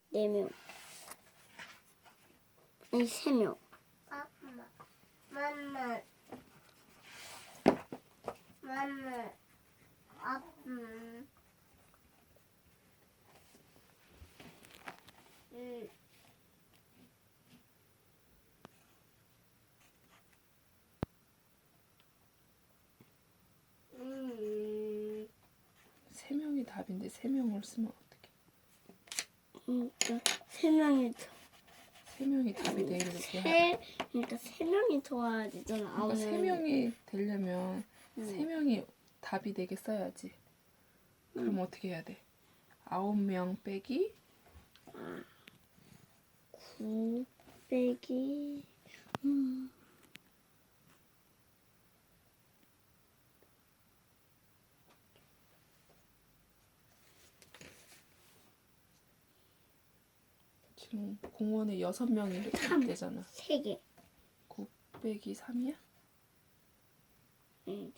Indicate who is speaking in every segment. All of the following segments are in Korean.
Speaker 1: 4명. 아니 3명.
Speaker 2: 맘마.
Speaker 3: 세 명이 답인데 세 명을 쓰면 어떡해?
Speaker 1: 그러니까 3명이 더.
Speaker 3: 세 명이 답이 되게
Speaker 1: 그러니까 3명이 더와야 되잖아.
Speaker 3: 그러니까 세 명이 되려면 세 명이 답이 되게 써야지. 그럼 어떻게 해야 돼? 9명 빼기
Speaker 1: 9 빼기
Speaker 3: 지금 공원에 6명이 이렇게 되잖아.
Speaker 1: 3개.
Speaker 3: 9 빼기 3이야?
Speaker 1: 응.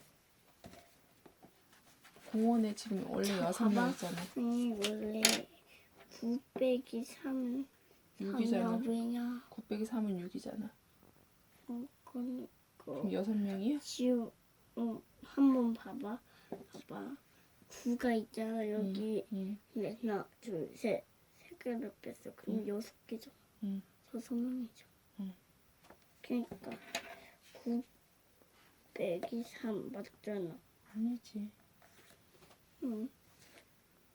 Speaker 3: 공원에 지금 원래 6명 있잖아.
Speaker 1: 원래 9 빼기 3
Speaker 3: 6이잖아.
Speaker 1: 3이야.
Speaker 3: 9 빼기 3은 6이잖아.
Speaker 1: 그럼
Speaker 3: 그럼 6명이야?
Speaker 1: 지우 한번 봐봐. 9가 있잖아 여기. 근데 하나 둘 셋 3개를 뺐어. 그럼 6개죠.
Speaker 3: 응.
Speaker 1: 6명이죠.
Speaker 3: 응.
Speaker 1: 그러니까 9 빼기 3 맞잖아.
Speaker 3: 아니지.
Speaker 1: 응.